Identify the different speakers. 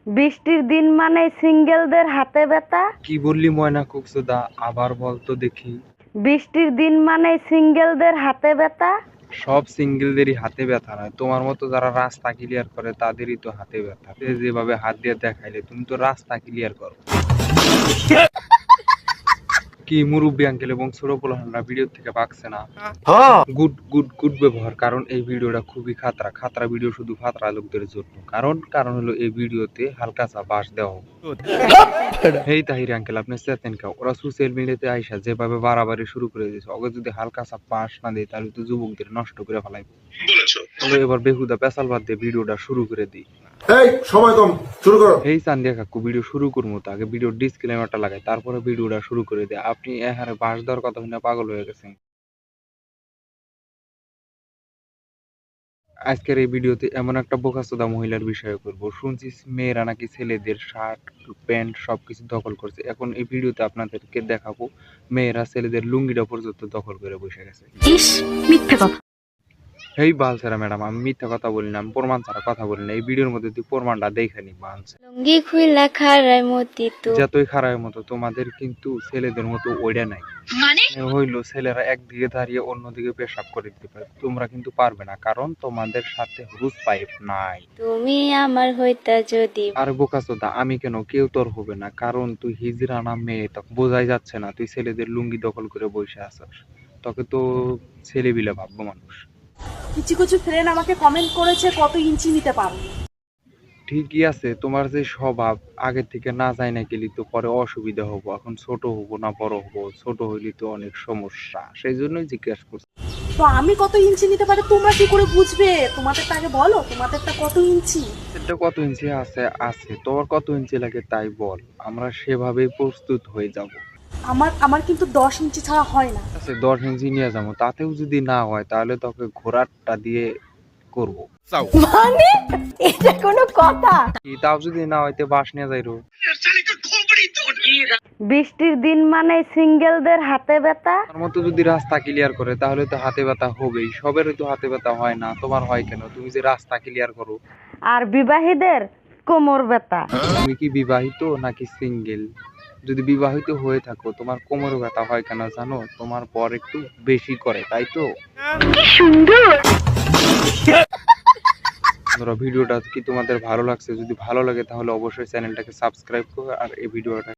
Speaker 1: বৃষ্টির দিন মানে সিঙ্গেলদের হাতে ব্যথা।
Speaker 2: কি বললি ময়না কুকসুদা, আবার বলতো দেখি।
Speaker 1: বৃষ্টির দিন মানে সিঙ্গেলদের হাতে ব্যথা।
Speaker 2: সব সিঙ্গেলদেরই হাতে ব্যথা নয়, তোমার মতো যারা রাস্তা ক্লিয়ার করে তাদেরই তো হাতে ব্যথা। যেভাবে হাত দিয়ে দেখাইলে তুমি তো রাস্তা ক্লিয়ার করো। কি মুরব্বী আঙ্কেল এবং ছোট পোলাহানরা ভিডিও থেকে পাকছে না। গুড গুড গুড ব্যবহার, কারণ এই ভিডিওটা খুবই খাতরা ভিডিও, শুধু খাতরা লোকদের জন্য। কারণ হলো এই ভিডিওতে হালকা চা বাস দেওয়া হোক। এই তাহির আঙ্কেল, আপনি চেতেন কা? ওরা সোশ্যাল মিডিয়াতে আইসা যেভাবে বাড়াবাড়ি শুরু করে দিয়েছে, ওকে যদি হালকা চা পাস না দেয় তাহলে তো যুবকদের নষ্ট করে ফেলাইব। চলো এবার বেহুদা পেশাল বাদ দিয়ে ভিডিওটা শুরু করে দিই।
Speaker 3: এই সময় কম, শুরু করো।
Speaker 2: এই চান্দিয়া কাকু, ভিডিও শুরু করবো তো আগে ভিডিও ডিসক্লেমারটা লাগাই, তারপরে ভিডিওটা শুরু করে দিই। আপনি এখানে বাস দেওয়ার কথা শুনে পাগল হয়ে গেছেন। আজকের এই ভিডিওতে এমন একটা বোকাচোদা মহিলার বিষয়ে করব। শুনছি মেয়েরা নাকি ছেলেদের শার্ট প্যান্ট সবকিছু দখল করছে। এখন এই ভিডিওতে আপনাদেরকে দেখাবো মেয়েরা ছেলেদের লুঙ্গিটা পর্যন্ত দখল করে বসে গেছে।
Speaker 1: ইস, মিথ্যে কথা।
Speaker 2: এই বালছেরা ম্যাডাম, আমি মিথ্যা কথা বলি না, আমি প্রমাণ ছাড়া কথা বলি না। এই ভিডিওর মধ্যে তুই প্রমাণটা দেখে নি। বালছে
Speaker 1: লুঙ্গি খুইলা খারায় মতি তো।
Speaker 2: যতই খারাপের মতো, তোমাদের কিন্তু ছেলেদের মতো ওইটা নাই।
Speaker 1: মানে
Speaker 2: হইলো ছেলেরা একদিকে দাঁড়িয়ে অন্যদিকে পেশাব করে দিতে পারে, তোমরা কিন্তু পারবে না, কারণ তোমাদের সাথে হুস পাইপ নাই।
Speaker 1: তুমি আমার হইতা যদি।
Speaker 2: আর বোকাচোদা আমি কেন? কেউ তোর হবে না, কারণ তুই হিজড়া না মেয়ে, তখন বোঝাই যাচ্ছে না। তুই ছেলেদের লুঙ্গি দখল করে বসে আছিস, তোকে তো ছেলেবিলে ভাববো মানুষ।
Speaker 4: কিছু কিছু ফ্রেন্ড আমাকে কমেন্ট করেছে কত ইঞ্চি নিতে পারো।
Speaker 2: ঠিকই আছে, তোমার যে স্বভাব আগে থেকে না যায় না গেলি তো পরে অসুবিধা হবো। এখন ছোট হবো না বড় হবো? ছোট হইলে তো অনেক সমস্যা, সেই জন্যই জিজ্ঞাসা করছি।
Speaker 4: তো আমি কত ইঞ্চি নিতে পারি তোমরা কি করে বুঝবে? তোমাদেরটা আগে বলো, তোমাদেরটা কত ইঞ্চি?
Speaker 2: এটা কত ইঞ্চি আছে তোমার কত ইঞ্চি লাগে তাই বল, আমরা সেভাবেই প্রস্তুত হয়ে যাব।
Speaker 4: আমার আমার কিন্তু 10 ইঞ্চি ছাড়া হয় না।
Speaker 2: আছে 10 ইঞ্চি নিয়ে যাবো, তাতেও যদি না হয় তাহলে তোকে ঘোড়ারটা দিয়ে করব।
Speaker 1: মানে এটা কোনো কথা?
Speaker 2: তাও যদি না হইতে বাস নিয়ে যাইরো।
Speaker 1: বৃষ্টির দিন মানে সিঙ্গেলদের হাতে ব্যথা।
Speaker 2: তার মতো যদি রাস্তা ক্লিয়ার করে তাহলে তো হাতে ব্যথা হবেই। সবেরই তো হাতে ব্যথা হয় না, তোমার হয় কেন? তুমি যে রাস্তা ক্লিয়ার করো।
Speaker 1: আর বিবাহীদের কোমর ব্যথা।
Speaker 2: তুমি কি বিবাহিত নাকি সিঙ্গেল? যদি বিবাহিত হয়ে থাকো তোমার কোমর ব্যথা হয় কেন জানো? তোমার পর একটু বেশি করে, তাই তো। বন্ধুরা, ভিডিওটা কি তোমাদের ভালো লাগছে? যদি ভালো লাগে তাহলে অবশ্যই চ্যানেলটাকে সাবস্ক্রাইব করো আর এই ভিডিওটা